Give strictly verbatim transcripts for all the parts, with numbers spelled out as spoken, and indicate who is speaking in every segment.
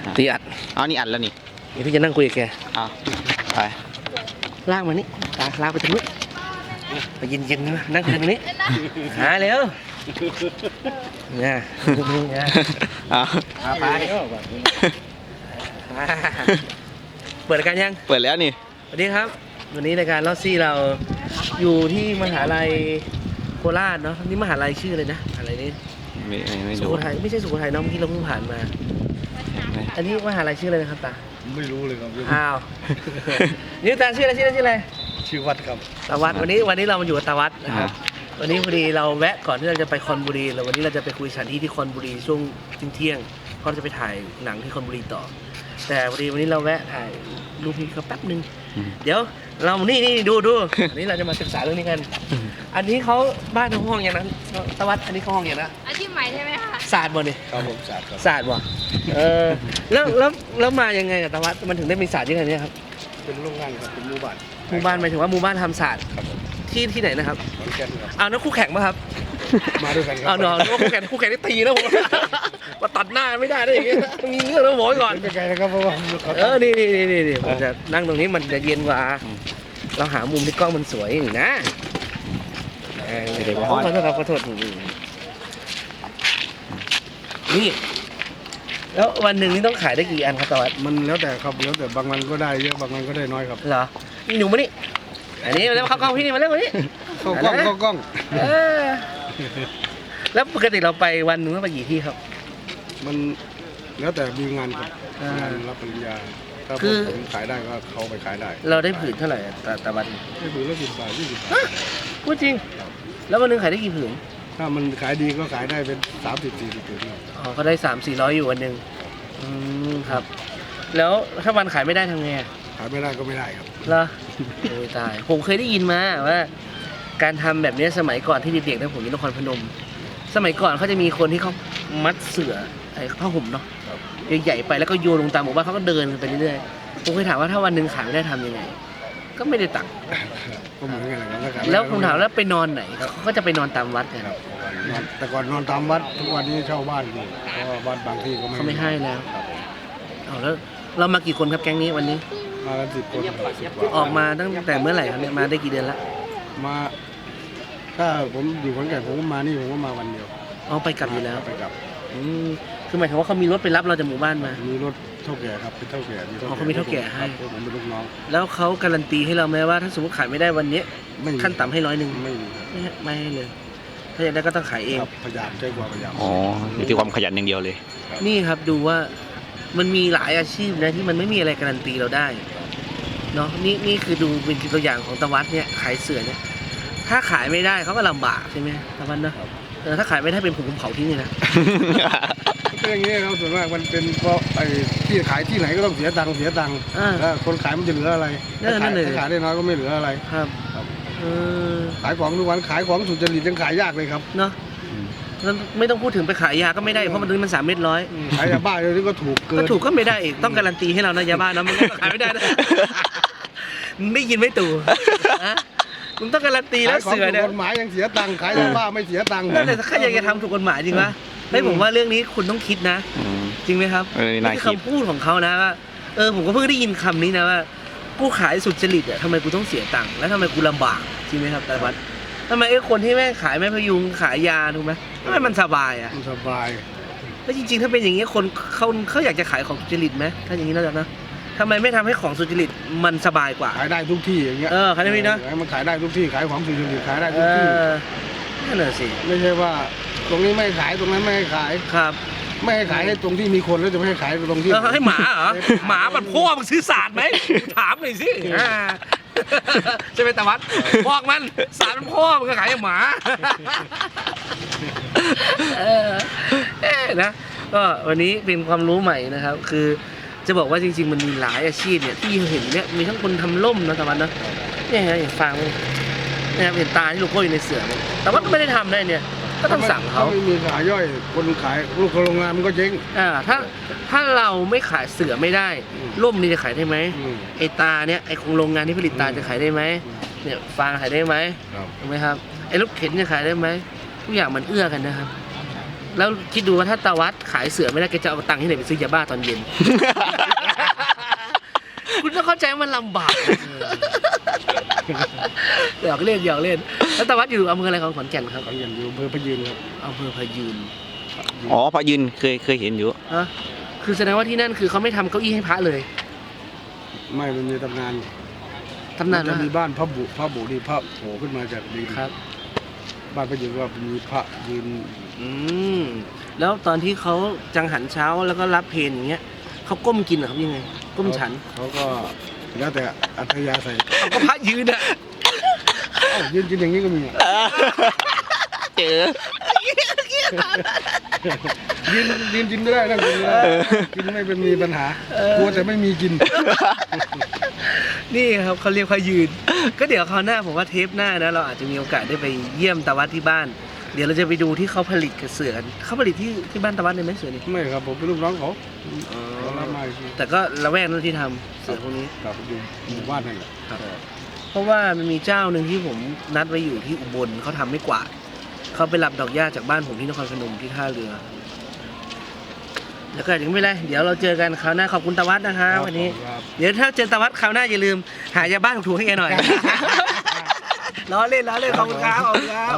Speaker 1: ตีอัด
Speaker 2: อ๋อนี่อัดแล้วนี่
Speaker 1: เดี๋ยวพี่จะนั่งคุยกับแก
Speaker 2: อ้าวไป
Speaker 1: ลากมานี่ตาลากไปทางนู้นไปเย็นๆนะนั่งคุยตรงนี้หาเร็วเนี่ยเนี่ย
Speaker 2: อ้าว
Speaker 1: พาไปเปิดรายการยัง
Speaker 2: เปิดแล้วนี่
Speaker 1: สวัสดีครับวันนี้รายการลอสซี่เราอยู่ที่มหาลัยโคราชเนาะนี่มหาลัยชื่ออะไรนะอะไรนี่
Speaker 2: ไม่ไม่ไม่
Speaker 1: สุ
Speaker 2: รู้
Speaker 1: โขทัยไม่ใช่สุโขทัยเนาะเมื่อกี้เราเพิ่งผ่านมา อันนี้มหาลัยชื่ออะไรนะครับตา
Speaker 3: ไม่รู้เลยครับ
Speaker 1: อ้าวนี่ตาชื่ออะไรชื่ออะไรชื่ออะไร
Speaker 3: ชื่อวัดครับ
Speaker 1: ตาวัดวันนี้วันนี้เรามาอยู่กับตาวัดนะครับวันนี้พอดีเราแวะก่อนที่เราจะไปคอนบุรีแล้ววันนี้เราจะไปคุยสถานที่ที่คอนบุรีช่วงเที่ยงๆเพราะเราจะไปถ่ายหนังที่คอนบุรีต่อ แต่พอดีวันนี้เราแวะถ่ายรูปพี่เขาแป๊บนึงเดี๋ยวเรานี่นี่ดูดูอันนี้เราจะมาศึกษาเรื่องนี้กันอันนี้เขาบ้านทั้งห้องอย่างนั้นตาวัดอันนี้เขาห้องอย่างนั้น
Speaker 4: อาชีพใหม่ใช่ไหมคะ
Speaker 1: ศาสตร์บ่เนี่ย
Speaker 3: ครับผมศาสตร์ครับ
Speaker 1: ศาสตร์บ่เออแล้วแล้วแล้วมายังไงกับตาวัดมันถึงได้มีศาสตร์ที่ไหนเนี่ยครับ
Speaker 3: เป็นโรงงานครับเป็นหมู่บ้าน
Speaker 1: หมู่บ้านหมายถึงว่าหมู่บ้านทำศาสตร์
Speaker 3: ครับผม
Speaker 1: ที่ที่ไหนนะครับ
Speaker 3: ขอนแก่นครับ
Speaker 1: เอานั่นคู่แข่งป่ะครับ
Speaker 3: มาด้วยกันครั
Speaker 1: เอาหนอนึกว่าคู่แข่งคู่แข่งนี่ตีแล้วผม มาตัดหน้าไม่ได้ได้อย่างเงี้ยมีเรื่องแล้วบอกไว้ก่อน
Speaker 3: ไม่ไกลนะครับเพราะว่าเขา
Speaker 1: เออนี่นี่นี่นี่นี่ผมจะนั่งตรงนี้มันจะเย็นกว่า เราหามุมที่กล้องมันสวยนี่นะเออเดี๋ยวขอโทษครับขอโทษนี่แล้ววันหนึ่งนี่ต้องขายได้กี่อันครับตะวัน
Speaker 3: มันแล้วแต่ครับแล้วแต่บางวันก็ได้เยอะบางวันก็ได้น้อยครับ
Speaker 1: เหรอนี่หนูมานี่อันนี้มาเร็วเข้ากล้องพี่นี่มาเร็วมานี่
Speaker 3: เข้ากล้องเข้ากล้อง
Speaker 1: เออแล้วปกติเราไปวันหนึ่งต้องไปกี่ที่ครับ
Speaker 3: มันแล้วแต่มีงานครับ
Speaker 1: อ่าง
Speaker 3: งานรับปริญญาถ้า
Speaker 1: คือ
Speaker 3: ผมขายได้ก็เขาไปขายได้
Speaker 1: เราได้ผืนเท่าไหร่อะแต่แต่วัน
Speaker 3: ไม่ถึงละสิบบาทยี่สิบบาท
Speaker 1: พูดจริง แล้ววันหนึงขายได้กี่ผืน
Speaker 3: ถ้ามันขายดีก็ขายได้เป็นสามสิบสี่สิบถึงครับ
Speaker 1: อ๋อก็ได้สามสี่ร้อยอยู่วันหนึ่งอืมครับ แล้วถ้าวันขายไม่ได้ทำไงอะ
Speaker 3: ขายไม่ได้ก็ไม่ได้ครับ
Speaker 1: เหรอโอ้ยตาย ผมเคยได้ยินมาว่า การทำแบบนี้สมัยก่อนที่เด็กๆนะผมอยู่นครพนม สมัยก่อนเขาจะมีคนที่เขามัดเสื่อไอ้ผ้าห่มเนาะใหญ่ๆไปแล้วก็โยนลงตามหมู่บ้านเขาก็เดินกันไปเรื่อยๆผมเคยถามว่าถ้าวันหนึ่งขายไม่ได้ทำยังไง ก็ไม่ได้ตังค์
Speaker 3: ก็เหมือนกันนะครับถ้าขายไได้
Speaker 1: แล้วผมถามแล้วไปนอนไหนเขาก็จะไปนอนตามวัดกัน
Speaker 3: ครับนอนแต่ก่อนนอนตามวัดทุกวันนี้เช่าบ้านอยู่เพราะว่าบ้านบางที่ก็ไม่
Speaker 1: เขาไม่ให้แล้ว
Speaker 3: ครับ
Speaker 1: เอาแล้วเรามากี่คนครับแก๊งนี้วันนี้
Speaker 3: มากันสิบคนสิบกว่า
Speaker 1: ออกมาตั้งแต่เมื่อไหร่ครับเนี่ยมาได้กี่เดือนละ
Speaker 3: มาถ้าผมอยู่ขอนแก่นผมก็มานี่ผมก็มาวันเดียว
Speaker 1: เอาไปกลับอยู่แล้ว
Speaker 3: ไปกลับ
Speaker 1: อืมคือหมายถึงว่าเขามีรถไปรับเราจากหมู่บ้านมา
Speaker 3: มีรถเท่าแก่ครับเป็นเท่าแก่มี
Speaker 1: อ๋อเขามีเท่าแก่ให้
Speaker 3: ครับผมเป็นลูกน้อง
Speaker 1: แล้วเขาการันตีให้เราไหมว่าถ้าสมมติขายไม่ได้วันนี้
Speaker 3: ไม่มี
Speaker 1: ขั้นต่ำให้ร้อยหนึ่ง
Speaker 3: ไม่มีครับ
Speaker 1: ไม่ให้ไม่ให้เลย ถ้าอยากได้ก็ต้องขายเอง
Speaker 3: ครับพยายามใช้ความพยายาม
Speaker 2: อ๋ออยู่ที่ความขยันอย่างเดียวเลย
Speaker 1: นี่ครับดูว่ามันมีหลายอาชีพนะที่มันไม่มีอะไรการันตีเราได้เนาะนี่นี่คือดูเป็นตัวอย่างของตะวัดเนี่ยขายเสือเนี่ยถ้าขายไม่ได้เขาก็ลำบากใช่ไหมตะวันเนาะเออถ้าขายไม่ได้เป็นผมผมเผาทิ้งเลยนะ
Speaker 3: ก็อย่างนี้ครับส่วนมากมันเป็นเพราะไอ้ที่ขายที่ไหนก็ต้องเสียตังค์เสียตังค์
Speaker 1: อ่า
Speaker 3: แล้วคนขายมันจะเหลืออะไร
Speaker 1: นั่น
Speaker 3: ถ้า
Speaker 1: นั่
Speaker 3: ขาย
Speaker 1: นเลย
Speaker 3: ถ้าขายได้น้อยก็ไม่เหลืออะไร
Speaker 1: ครับ
Speaker 3: ครับ
Speaker 1: เออ
Speaker 3: ขายของทุกวันขายของสุจริตยังขายยากเลยครับ
Speaker 1: เนาะแล้วไม่ต้องพูดถึงไปขายยาก็ไม่ได้เพราะมันถึงมันสามเม็ดร้อย
Speaker 3: ขายยาบ้าเดี๋ยวนี้ก็ถูกเกิ
Speaker 1: ก็
Speaker 3: น
Speaker 1: ถูกก็ไม่ได้อีกต้องการันตีให้เรานะยาบ้านะมันก็ขายไม่ได้นะ มึงได้ยินไหมตู่ฮะมึงต้องการันตีแล้ว
Speaker 3: ขายของ
Speaker 1: เสือ
Speaker 3: ถู
Speaker 1: เนี่ย
Speaker 3: กกฎหมายยังเสียตังค์ขายยาบ้าไม่เสียตังค์
Speaker 1: นั่นแหละถ้าใครอยากจะทำถูกกฎหมายจริงปะเฮ้ยผมว่าเรื่องนี้คุณต้องคิดนะ
Speaker 2: อืม
Speaker 1: จริงไหมครับ
Speaker 2: เออน่า
Speaker 1: นี่
Speaker 2: คิ
Speaker 1: คือ
Speaker 2: ด
Speaker 1: คำพูดของเขานะว่าเออผมก็เพิ่งได้ยินคำนี้นะว่ากูขายสุจริตอ่ะทำไมกูต้องเสียตังค์แล้วทำไมกูลำบากจริงไหมครับแต่วัดทำไมไอ้คนที่แม่งขายแม่พยุงขายยาถูกไหมทำไมมันสบายอ่ะ
Speaker 3: มันสบาย
Speaker 1: แล้วจริงๆถ้าเป็นอย่างนี้คนเขาเขาอยากจะขายของสุจริตไหมถ้าอย่างนี้แล้วนะทำไมไม่ทำให้ของสุจริตมันสบายกว่า
Speaker 3: ขายได้ทุกที่อย่างเงี้ย
Speaker 1: เออขายได้ไหมนะ
Speaker 3: ออมันขายได้ทุกที่ขายของสุจริตขายได้
Speaker 1: เอ
Speaker 3: ทุกที่
Speaker 1: อนั่นแหละสิ
Speaker 3: ไม่ใช่ว่า ตรงนี้ไม่ขายตรงนั้นไม่ให้ขาย
Speaker 1: ครับ
Speaker 3: ไม่ให้ขายให้ตรงที่มีคนแล้วจะไม่ให้ขายตรงที่
Speaker 1: เออให้หมาเหรอหมามันพ่อมันซื้อศาสตร์ไหมถามหน่อยสิอ่าใช่ไหมตะวัดบอกมันศาสตร์มันพ่อมันก็ขายให้หมาเออเอ๊ะนะก็วันนี้เป็นความรู้ใหม่นะครับ คือจะบอกว่าจริงๆมันมีหลายอาชีพเนี่ยที่เห็นเนี่ยมีทั้งคนทำล่มนะตะวันนะเนี่ยฮะอย่างฟังนะครับเห็นตาที่โลโก้อยู่ในเสือเนี่ยแต่ว่าก็ไม่ได้ทำได้เนี่ยก็ต้องสั่งเขา
Speaker 3: ถ้ไม่มีขายย่อยคนขายลูกโรงงานมันก็เจ๊ง
Speaker 1: อ่าถ้าถ้าเราไม่ขายเสือไม่ได้
Speaker 3: อืม
Speaker 1: ร่มนี่จะขายได้ไหม
Speaker 3: อืม
Speaker 1: ไอตาเนี่ยไอของโรงงานที่ผลิตตาจะขายได้ไหมเนี่ยฟางขายได้ไหม
Speaker 3: ครับ
Speaker 1: ถูกไหมครับไอรถเข็นจะขายได้ไหมทุกอย่างมันเอื้อกันนะครับแล้วคิดดูว่าถ้าตาวัดขายเสือไม่ได้แกจะเอาตังค์ที่ไหนไปซื้อยาบ้าตอนเย็น คุณต้องเข้าใจว่ามันลำบากหยอกเล่นหยอกเล่นแล้วตาวัดอยู่อำเภออะไรของขอนแก่นครับ
Speaker 3: ขอนแก่นอยู่อำเภอพะยืนครับ
Speaker 1: อำเภอพะยืน
Speaker 2: อ๋อพระยืนเคยเคยเห็นอยู่
Speaker 1: ฮะคือแสดงว่าที่นั่นคือเขาไม่ทำเก้าอี้ให้พระเลย
Speaker 3: ไม่มันมีตำนาน
Speaker 1: ตำนาน
Speaker 3: จะ
Speaker 1: ว่า
Speaker 3: มีบ้านพระบุพระบุนี่พระโผล่ขึ้นมาจากดิน
Speaker 1: ครับ
Speaker 3: บ้านพระยืนว่ามีพระยืน
Speaker 1: อืมแล้วตอนที่เขาจังหันเช้าแล้วก็รับเพลอย่างเงี้ยเขาก้มกินเหรอครับยังไง ก้มฉัน
Speaker 3: เขาก็แล้วแต่อัธยาศัย
Speaker 1: เขาก็พระยืนอ่ะ
Speaker 3: เอ้ายืนกินอย่างนี้ก็มีอะ
Speaker 2: เจอ
Speaker 3: ยืนยืนกินไม่ได้นั่งกินไม่ได้กินไม่เป็นมีปัญหากลัวแต่ไม่มีกิน
Speaker 1: นี่ครับเขาเรียกพระยืน ก็เดี๋ยวคราวหน้าผมว่าเทปหน้านะเราอาจจะมีโอกาสได้ไปเยี่ยมตาวัดที่บ้าน เดี๋ยวเราจะไปดูที่เขาผลิตกับเสือกันเขาผลิตที่ที่บ้านตาวัดเลยไหมเสือนี่
Speaker 3: ไม่ครับผมเป็นลูกน้องเขาเขารับมาอีกที
Speaker 1: แต่ก็ละแวกนั้นที่ทำเสือพวกนี้
Speaker 3: ครับอยู่หมู่บ้านนั่นแหละ
Speaker 1: ครับ เพราะว่ามันมีเจ้าหนึ่งที่ผมนัดไว้อยู่ที่อุบลเขาทำไม่กวาดเขาไปรับดอกหญ้าจากบ้านผมที่นครพนมที่ท่าเรือ แล้วก็อย่างไม่เป็นไรเดี๋ยวเราเจอกันคราวหน้าขอบคุณตาวัดนะคะวันนี้
Speaker 3: ครับ
Speaker 1: เดี๋ยวถ้าเจอตาวัดคราวหน้าอย่าลืมหายาบ้านถูกๆให้แกหน่อย ล้อเล่นล้อเล่นขอบคุณครับขอบคุณครับ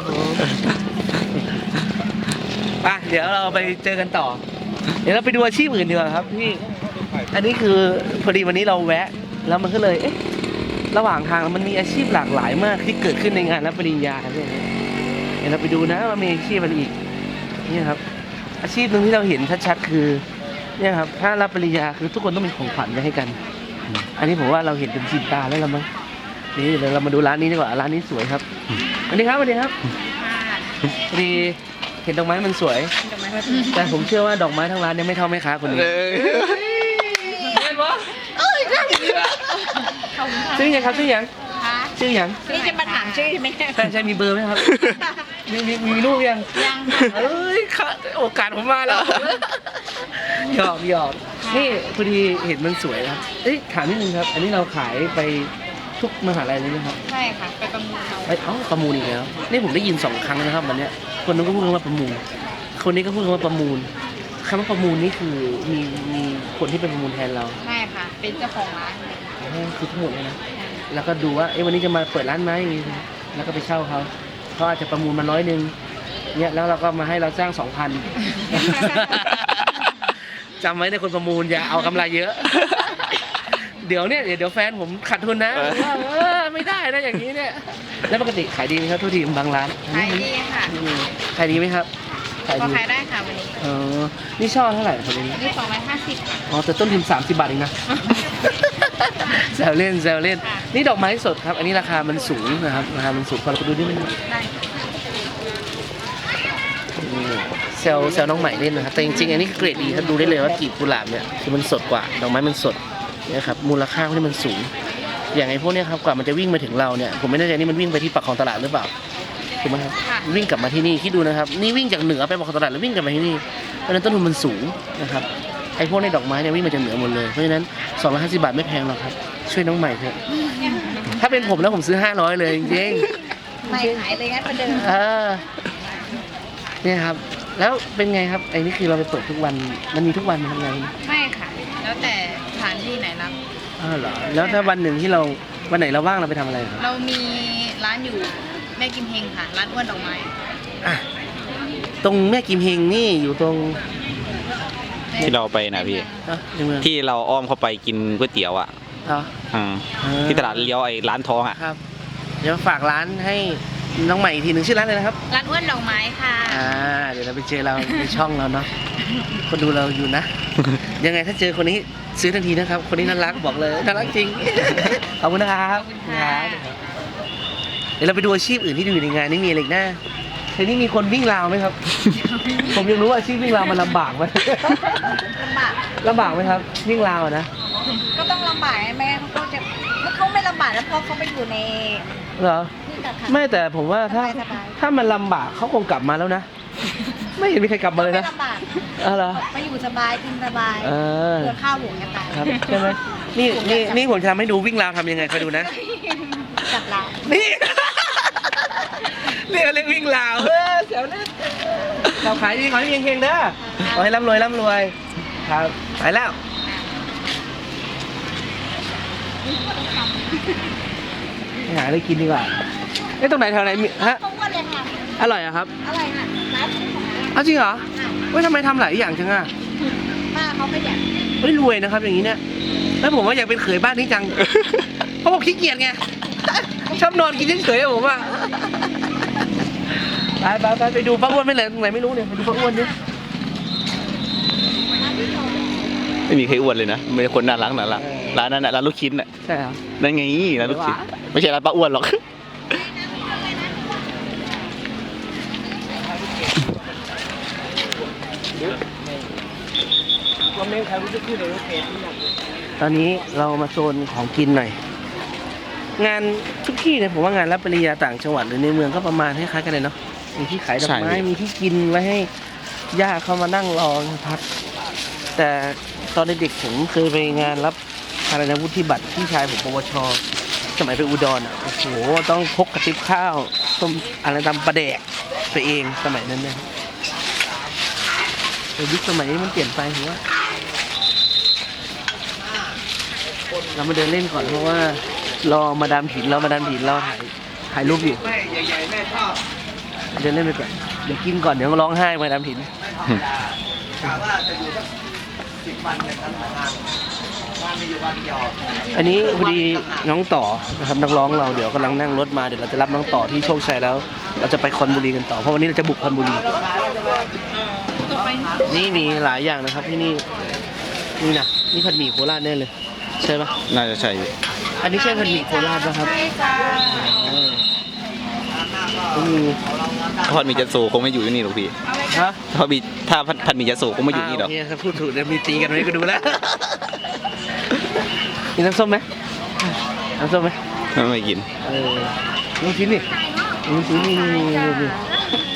Speaker 1: ไปเดี๋ยวเราไปเจอกันต่อ เดี๋ยวเราไปดูอาชีพอื่นดีกว่าครับพี่อันนี้คือพอดีวันนี้เราแวะ แล้วมันก็เลยเอ๊ะระหว่างทางมันมีอาชีพหลากหลายมากที่เกิดขึ้นในงานรับปริญญาครับเนี่ยเดี๋ยวเราไปดูนะว่ามีอาชีพอะไรอีกนี่ครับ อาชีพหนึ่งที่เราเห็นชัดๆคือเนี่ยครับถ้ารับปริญญาคือทุกคนต้องมีของขวัญไว้ให้กัน อันนี้ผมว่าเราเห็นเป็นชินตาแล้วละมั้งนี่เดี๋ยวเรามาดูร้านนี้ดีกว่าร้านนี้สวยครับสวัสดีครับสวัสดีครับพอดีเห็นดอกไม้มันสวย แต่ผมเชื่อว่าดอกไม้ทั้งร้านเนี่ยไม่เท่าแม่ค้าคนนี้เห็นปะเอ้ยใช่ชื่อยังครับชื่อยังชื่อยัง
Speaker 4: นี่จะมาถามชื่อใช่ไหมเนี่ย
Speaker 1: แฟนชายมีเบอร์ไหมครับมีมีมีลูกยัง
Speaker 4: ยังค่ะ
Speaker 1: เอ้ยค่ะโอกาสผมมาแล้วหยอกหยอกนี่พอดีเห็นมันสวยครับเอ้ยถามนิดนึงครับ อันนี้เราขายไปทุกมหาลัยเลยไหมครับ
Speaker 4: ใช่ค่ะ ไปประมูลเอา
Speaker 1: เอ้ยเอ้าประมูลอีกแล้วนี่ผมได้ยินสองครั้งนะครับวันเนี้ยคนนู้นก็พูดคำว่าประมูล คนนี้ก็พูดคำว่าประมูลคำว่าประมูลนี่คือมีมีคนที่เป็นประมูลแทนเรา
Speaker 4: ใช่ค่ะ เป็นเจ้าของร้านเลย
Speaker 1: อ๋อคือทั้งหมดเลยนะ แล้วก็ดูว่าเอ้วันนี้จะมาเปิดร้านไหมแล้วก็ไปเช่าเขาเขาอาจจะประมูลมาร้อยหนึ่งเนี่ยแล้วเราก็มาให้เราจ้างสองพัน จำไว้ในคนประมูลอย่าเอากำไรเยอะ เดี๋ยวเนี่ยเดี๋ยวแฟนผมขาดทุนนะว่าเออไม่ได้นะอย่างนี้เนี่ยแล้วปกติขายดีไหมครับทุกทีบางร้าน
Speaker 4: ขายดีค่ะ
Speaker 1: อืมขายดีไหมครับขาย
Speaker 4: พอ
Speaker 1: ดี
Speaker 4: ขายได้ค่ะวันนี้
Speaker 1: เออนี่ช่อเท่าไหร่ครับวันนี้
Speaker 4: นี่สองร้อยห้าสิบค่ะ
Speaker 1: อ๋อแต่ต้นทุนสามสิบบาทเองนะ แซวเล่นแซวเล่น นี่ดอกไม้สดครับ อันนี้ราคามันสูงนะครับ ราคามันสูงพอเราไปดูนี่มัน
Speaker 4: ได้
Speaker 1: เซลเซลน้องใหม่เล่นนะครับ แต่จริงๆ อันนี้คือเกรดดีครับ ดูได้เลยว่ากลีบกุหลาบเนี่ยคือมันสดกว่า ดอกไม้มันสดนะครับ มูลค่าที่มันสูง อย่างไอ้พวกเนี้ยครับ กว่ามันจะวิ่งมาถึงเราเนี่ย ผมไม่แน่ใจนี่มันวิ่งไปที่ปากคลองตลาดหรือเปล่า ถูกไหมครับ วิ่งกลับมาที่นี่ คิดดูนะครับ นี่วิ่งจากเหนือไปปากคลองตลาดแล้ววิ่งกลับมาที่นี่ เพราะฉะนั้นต้นทุนมันสูงนะครับ ไอ้พวกในดอกไม้เนี่ยวิ่งมาจากเหนือหมดเลย เพราะฉะนั้นสองร้อยห้าสิบบาทไม่แพงหรอกครับ ช่วยน้องใหม่เถอะ ถ้าเป็นผมแล้วผมซื้อห้าร้อยเลยจริง
Speaker 4: ไม่ขายเลยงั้นประเดิม
Speaker 1: ๆเออเนี่ยครับ แล้วเป็นไงครับ ไอ้นี่คือเราไปเปิดทุกวัน มันมีทุกวันทำไง
Speaker 4: ไม่ค่ะ แล้วแต่สถานที่ไหนรับ
Speaker 1: อ้าวเหรอ แล้วถ้าวันหนึ่งที่เรา วันไหนเราว่างเราไปทำอะไรครับ
Speaker 4: เรามีร้านอยู่แม่กิมเฮงค่ะ ร้านอ้วนดอกไม้
Speaker 1: อ่ะตรงแม่กิมเฮงนี่อยู่ตรง
Speaker 2: ที่เราไปนะพี่
Speaker 1: อ่ะในเมือง
Speaker 2: ที่เราอ้อมเข้าไปกินก๋วยเตี๋ยวอ่ะ
Speaker 1: เหรอ
Speaker 2: อืม
Speaker 1: เออ
Speaker 2: ที่ตลาดเลี้ยวไอ้ร้านทองอ่ะ
Speaker 1: ครับ เดี๋ยวฝากร้านให้น้องใหม่อีกทีหนึ่งชื่อร้านเลยนะครับ
Speaker 4: ร้านอ้วนดอกไม้ค่ะ
Speaker 1: อ่า เดี๋ยวเราไปเจอเราในช่องเราเนาะ คนดูเราอยู่นะ ยังไงถ้าเจอคนนี้ซื้อทันทีนะครับ คนนี้น่ารักบอกเลย น่ารักจริง ขอบคุณนะครับ
Speaker 4: ขอบคุณค่ะ
Speaker 1: เดี๋ยวเราไปดูอาชีพอื่นที่อยู่ในงานนี่มีอะไรอีกหน้าทีนี้มีคนวิ่งราวไหมครับ ผมยังรู้ว่าอาชีพวิ่งราวมันลำบากไหม
Speaker 4: ลำบาก
Speaker 1: ลำบากไหมครับ วิ่งราวอะนะ
Speaker 4: ก็ต้องลำบากไหมเขาก็จะเขาไม่ลำบากแล้วเพราะเขาไปอยู่ใน
Speaker 1: เหรอ
Speaker 4: นี่แต่ค่ะ
Speaker 1: ไม่แต่ผมว่าถ้า
Speaker 4: สบายๆ
Speaker 1: ถ้ามันลำบากเขาคงกลับมาแล้วนะ ไม่เห็นมีใครกลับมาเลย
Speaker 4: ไม่
Speaker 1: นะ
Speaker 4: ลำบาก
Speaker 1: อ๋อเหรอ
Speaker 4: มาอยู่สบายกินสบาย
Speaker 1: เออ
Speaker 4: เดินข้าวหลวงกันตาย
Speaker 1: ครับใช่ไหมนี่นี่นี่ผมจะทำให้ดูวิ่งราวทำยังไงคอยดูนะ
Speaker 4: จับเรา
Speaker 1: นี่เรียกเรียกวิ่งลาวเออเสียวเล่นเราขายดีขอให้เฮงๆเด้อขอให้ร่ำรวยร่ำรวยครับไปแล้วไปหาอะไรกินดีกว่าเอ้ยตรงไหนแถวไหนมีฮะ
Speaker 4: เขาอ้วนเลยค่ะ
Speaker 1: อร่อยอะครับ
Speaker 4: อร่อยค่ะร้านซื้อของร้าน
Speaker 1: อ้าวจริงเหรอเฮ้ยทำไมทำหลายอย่างจังอะ
Speaker 4: ป้าเขาขยัน
Speaker 1: เฮ้ยรวยนะครับอย่างนี้เนี่ยแล้วผมว่าอยากเป็นเขยบ้านนี้จัง เพราะผมขี้เกียจไง ชอบนอนกินเฉยๆอะผมอะไปไปไปไปดูป้าอ้วนไม่เลยตรงไหนไม่รู้เนี่ยไปดูป้าอ้วนดิ
Speaker 2: ไม่มีใครอ้วนเลยนะมีแต่คนน่ารักน่ารักร้านนั้นน่ะร้านลูกชิ้นน่ะ
Speaker 1: ใช่ครับ
Speaker 2: นั่นไงร้านลูกชิ้นไม่ใช่ร้านป้าอ้วนหรอก
Speaker 1: ตอนนี้เรามาโซนของกินหน่อย งานทุกที่เนี่ยผมว่างานรับปริญญาต่างจังหวัดหรือในเมืองก็ประมาณคล้ายๆกันเลยเนาะมีที่ขายดอกไม้มีที่กินไว้ให้ญาติเขามานั่งรอพักแต่ตอนเด็กๆผมเคยไปงานรับอะไรนะวุฒิบัตรพี่ชายผมปวชสมัยไปอุดรอ่ะโอ้โหต้องพกกระติบข้าวต้มอะไรตำปลาแดกไปเองสมัยนั้นเนี่ยแต่ยุคสมัยนี้มันเปลี่ยนไปผมว่าเรามาเดินเล่นก่อนเพราะว่ารอมาดามผินเรามาดามผินเราถ่ายถ่ายรูปอยู่แม่ใหญ่ๆแม่ชอบเดินเล่นไปก่อนเดี๋ยวกินก่อนเดี๋ยวร้องไห้มาดามผินอันนี้พอดีน้องต่อนะครับนักร้องเราเดี๋ยวกำลังนั่งรถมาเดี๋ยวเราจะรับน้องต่อที่โชคชัยแล้ว เราจะไปคอนบุรีกันต่อเพราะวันนี้เราจะบุกคอนบุรีนี่มีหลายอย่างนะครับที่นี่นี่นะนี่ผัดหมี่โคราชแน่เลยใช่ปะ
Speaker 2: น่าจะใช่อยู่
Speaker 1: อันนี้ใช่ผัดหมี่โคราชปะครับ
Speaker 4: ใช่จ้า
Speaker 1: อืม
Speaker 2: ทอดหมีจัตสูคงไม่อยู่ที่นี่หรอกพี่
Speaker 1: ฮะ
Speaker 2: ทอดหมีถ้าผัดหมีจัตสูคงไม่อยู่นี่หรอก
Speaker 1: โอเคครับพูดถูกเดี๋ยวมีตีกันไว้ก็ดูแล้ว มีน้ำส้มไหมน้ำส้มไหม
Speaker 2: ไม่กิน
Speaker 1: เออลูกชิ้นนี่ลูกชิ้นนี่นี่นี่นี่